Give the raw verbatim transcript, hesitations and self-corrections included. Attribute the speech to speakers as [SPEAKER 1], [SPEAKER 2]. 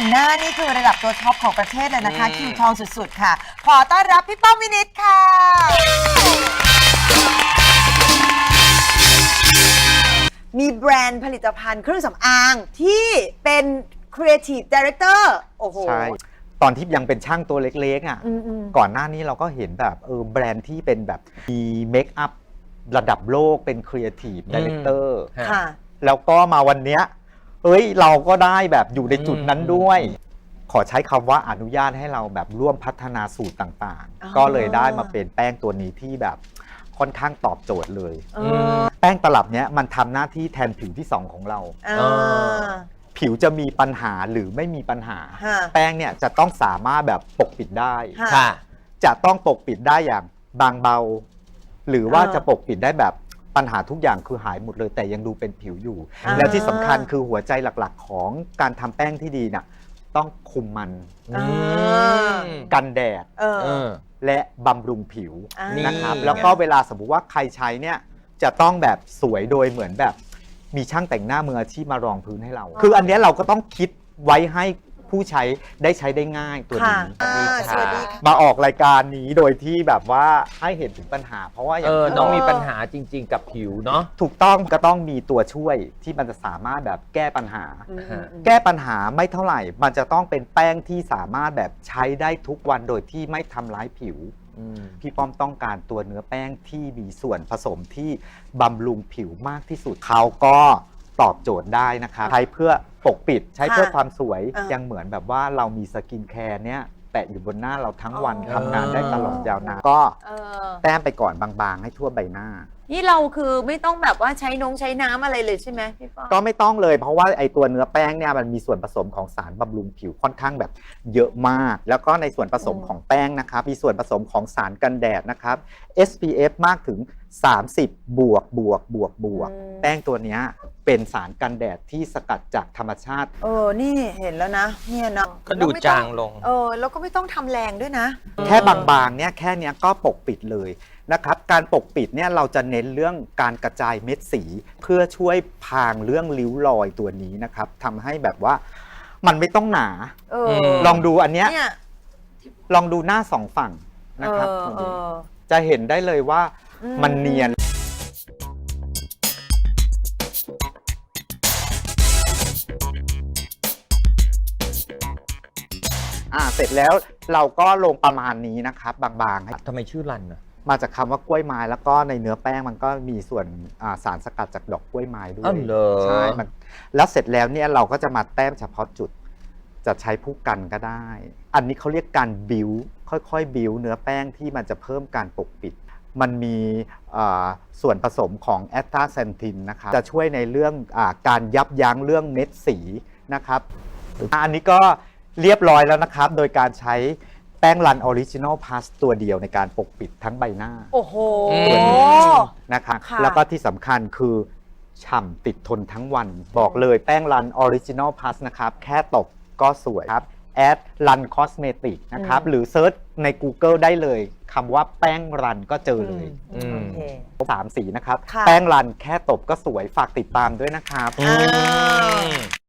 [SPEAKER 1] งหน้านี่คือระดับตัวท็อปของประเทศเลยนะคะคิวทองสุดๆค่ะขอต้อนรับพี่ป้อมวินิจค่ะมีแบรนด์ผลิตภัณฑ์เครื่องสำอางที่เป็น Creative Director โอ้โห
[SPEAKER 2] ใช่ตอนที่ยังเป็นช่างตัวเล็กๆอ่ะก่อนหน้านี้เราก็เห็นแบบเออแบรนด์ที่เป็นแบบมีเมคอัพระดับโลกเป็น Creative Director
[SPEAKER 1] ค่ะ
[SPEAKER 2] แล้วก็มาวันเนี้ยเอ้ยเราก็ได้แบบอยู่ในจุดนั้นด้วยขอใช้คำว่าอนุญาตให้เราแบบร่วมพัฒนาสูตรต่างๆก็เลยได้มาเป็นแป้งตัวนี้ที่แบบค่อนข้างตอบโจทย์เลยแป้งตลับเนี้ยมันทำหน้าที่แทนผิวที่สองของเราผิวจะมีปัญหาหรือไม่มีปัญหาแป้งเนี่ยจะต้องสามารถแบบปกปิดได้จะต้องปกปิดได้อย่างบางเบาหรือว่าจะปกปิดได้แบบปัญหาทุกอย่างคือหายหมดเลยแต่ยังดูเป็นผิวอยู่และที่สำคัญคือหัวใจหลักๆของการทำแป้งที่ดีน่ะต้องคุมมันกันแดดและบำรุงผิวนะครับแล้วก็เวลาสมมติว่าใครใช้เนี่ยจะต้องแบบสวยโดยเหมือนแบบมีช่างแต่งหน้ามืออาชีพมารองพื้นให้เราคืออันนี้เราก็ต้องคิดไว้ให้ผู้ใช้ได้ใช้ได้ง่ายตัวนี้มาออกรายการนี้โดยที่แบบว่าให้เห็นถึงปัญหาเพราะว่าอย่าง
[SPEAKER 3] น้องมีปัญหาจริงๆกับผิวเนาะ
[SPEAKER 2] ถูกต้องก็ต้องมีตัวช่วยที่มันจะสามารถแบบแก้ปัญหาแก้ปัญหาไม่เท่าไหร่มันจะต้องเป็นแป้งที่สามารถแบบใช้ได้ทุกวันโดยที่ไม่ทำร้ายผิวพี่ป้อมต้องการตัวเนื้อแป้งที่มีส่วนผสมที่บำรุงผิวมากที่สุดเขาก็ตอบโจทย์ได้นะคะใช้เพื่อปกปิดใช้เพื่อความสวยยังเหมือนแบบว่าเรามีสกินแคร์เนี้ยแปะอยู่บนหน้าเราทั้งวันทำงานได้ตลอดยาวนานก็แต้มไปก่อนบางๆให้ทั่วใบหน้า
[SPEAKER 1] นี่เราคือไม่ต้องแบบว่าใช้นงใช้น้ำอะไรเลยใช่ไหมพี่ป้อม
[SPEAKER 2] ก็ไม่ต้องเลยเพราะว่าไอตัวเนื้อแป้งเนี่ยมันมีส่วนผสมของสารบำรุงผิวค่อนข้างแบบเยอะมากแล้วก็ในส่วนผสมของแป้งนะครับมีส่วนผสมของสารกันแดดนะครับ เอส พี เอฟ มากถึงสามสิบบวกบวกบวกบวกแป้งตัวนี้เป็นสารกันแดดที่สกัดจากธรรมชาติ
[SPEAKER 1] เออนี่เห็นแล้วนะเนี่ยเนาะ
[SPEAKER 3] ก็ดูจางลง
[SPEAKER 1] เออแล้วก็ไม่ต้องทำแรงด้วยนะ
[SPEAKER 2] แค่บางๆเนี่ยแค่นี้ก็ปกปิดเลยนะครับการปกปิดเนี่ยเราจะเน้นเรื่องการกระจายเม็ดสีเพื่อช่วยพรางเรื่องริ้วรอยตัวนี้นะครับทำให้แบบว่ามันไม่ต้องหนาออลองดูอันเนี้ยลองดูหน้าสองฝั่งนะครับจะเห็นได้เลยว่ามันเนียนอ่าเสร็จแล้วเราก็ลงประมาณนี้นะครับบางๆ
[SPEAKER 3] ทำไมชื่อรันนะ
[SPEAKER 2] มาจากคำว่ากล้วยไม้แล้วก็ในเนื้อแป้งมันก็มีส่วนสารสกัดจากดอกกล้วยไม้ด้วยใช่มันแล้วเสร็จแล้วเนี่ยเราก็จะมาแต้มเฉพาะจุดจะใช้ผู้กันก็ได้ อันนี้เขาเรียกการบิวค่อยๆบิวเนื้อแป้งที่มันจะเพิ่มการปกปิดมันมีส่วนผสมของแอสตาเซนทินนะครับจะช่วยในเรื่องอการยับยั้งเรื่องเม็ดสีนะครับอันนี้ก็เรียบร้อยแล้วนะครับโดยการใช้แป้งรันออริจินอลพาสตัวเดียวในการปกปิดทั้งใบหน้า
[SPEAKER 1] โอ้โห
[SPEAKER 2] นะครับแล้วก็ที่สำคัญคือฉ่ำติดทนทั้งวันบอกเลยแป้งรันออริจินอลพาสนะครับแค่ตบก็สวยครับแอดรันคอสเมติกนะครับหรือเซิร์ชใน Google ได้เลยคำว่าแป้งรันก็เจอเลยสามสีนะครับแป้งรันแค่ตบก็สวยฝากติดตามด้วยนะครับ